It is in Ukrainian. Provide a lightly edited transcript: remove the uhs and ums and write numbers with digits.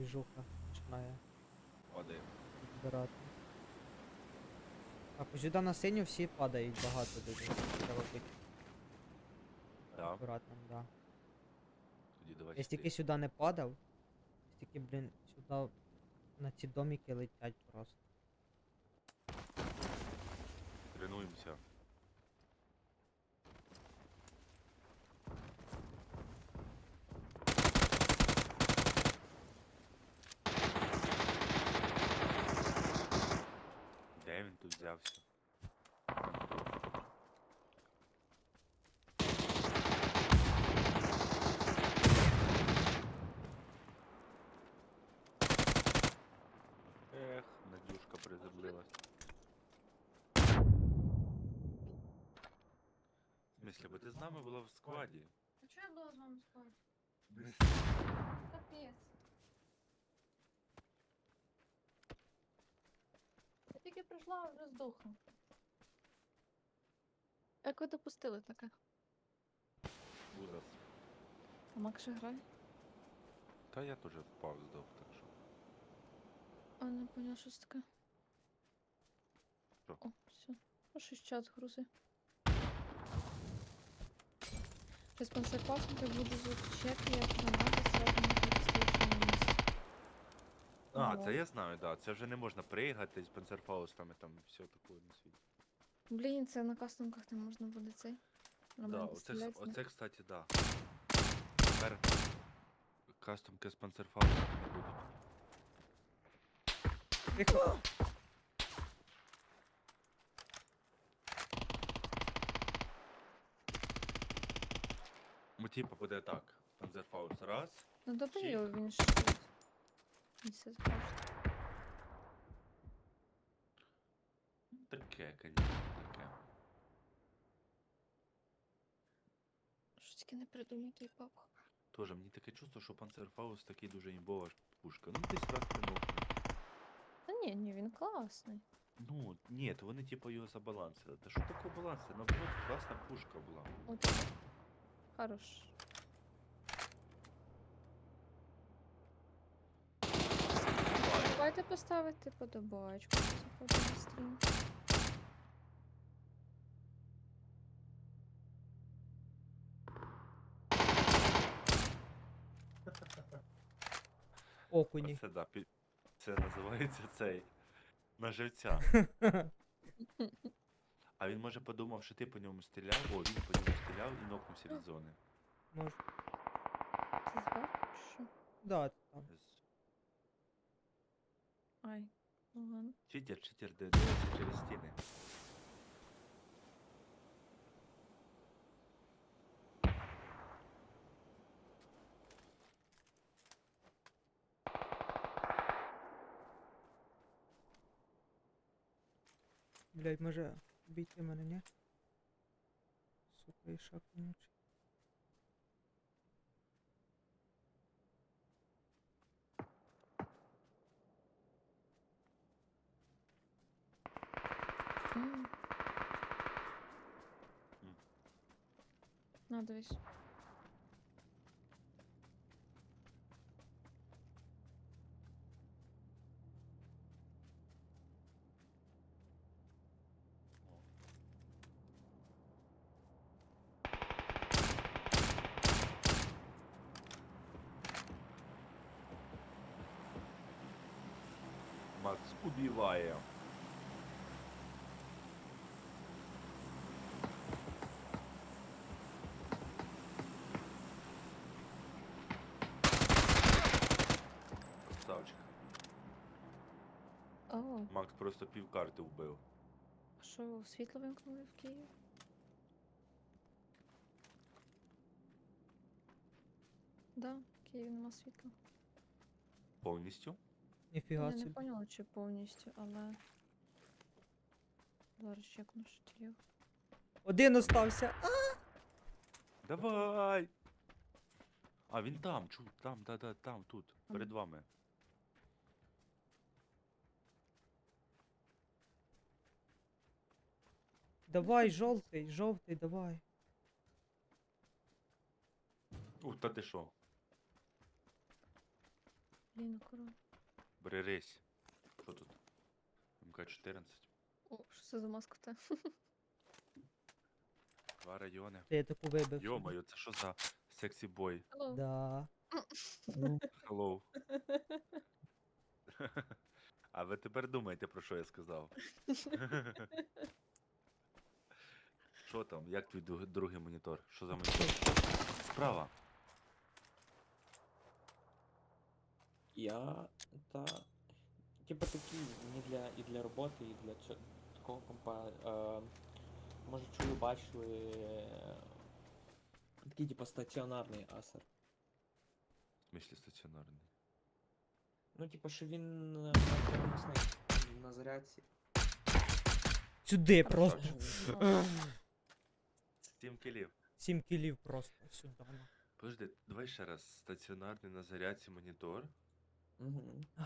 Движуха починає Падає. збирати. Так, ось сюди на синю всі падають багато дуже. Треба бути Да. акуратним, да. Тоді давай Я стільки сюди. сюди не падав, стільки, блін, сюди на ці домики летять просто. Тренуємося. Де він тут взявся? Ех, Надюшка приземлилась. В смысле, бо ти з нами була в складі? А чого я була з вами спати? Капець. Я тільки прийшла, а вже здохла. Як ви допустили таке? Ужас. А Макс ще грає? Та я теж впав здох, так що. А не поняла, що це таке. Що? О, все. А щось чат грузи. Щось панцерпаснути буду звучати, як граната сразу на підстрічному місці. А, Ого. це я знаю, да. Це вже не можна пригати з панцерфаустами, там все таке на світі. Блін, це на кастомках не можна буде цей. Да, Нормально оце, стріляти. оце, кстати, да. Тепер кастомки з панцерфаустами не будуть. Тихо! Ну, типа, буде так. Панцерфауст раз. Ну добий Чик. його, він ще. Він все страшно. Таке, конечно, таке. Що тільки не придумай той папа. Тоже мені таке чувство, що панцерфауст такий дуже імбова пушка. Ну, десь раз ти нокнув. Та ні, він класний. Ну, ні, то вони типу його забалансили. Та що таке баланс? Це наоборот класна пушка була. От. Хорош. Давайте поставити подобачку, заходимо на стрім. Окуні. Це да, це називається цей. На живця. А він може подумав, що ти по ньому стріляв, о, він по ньому стріляв і нокнувся від зони. Може. Це звати? Що? Да, там. Ай, ну ладно. Читер, дивиться через стіни. Блядь, може бійти мене, ні? Сука, і шаг вонючий. М. М. На, дивись. Макс убиває. Красавчик. О, Макс просто півкарти вбив. а що, світло вимкнули в Києві? Да, в Києві нема світла. Повністю? Ніфіга Я не собі. поняла, чи повністю, але... Зараз чекну, що тіло. Один остався. Давай! А, він там, там, там, тут, перед вами. Давай, жовтий, давай. Та ти що? Блін, акурат. Бери рейс. Що тут? МК-14. О, що це за маска в те? 2 райони. Ти я таку вибив. собі. Йо-моє, це що за сексі бой? Алло. Да. Hello. А ви тепер думаєте, про що я сказав? Що там? Як твій другий монітор? Що за монітор? Справа. Я та. Типа такий не для і для роботи, і для такого компа. Може чую, бачили. Такий типа стаціонарний асер. В смислі стаціонарний. Ну, типа, що він на зарядці. Сюди просто. Красавчик. 7 кілів. 7 кілів просто сюди. Ну. Подожди, давай ще раз. Стаціонарний на зарядці монітор. Угу.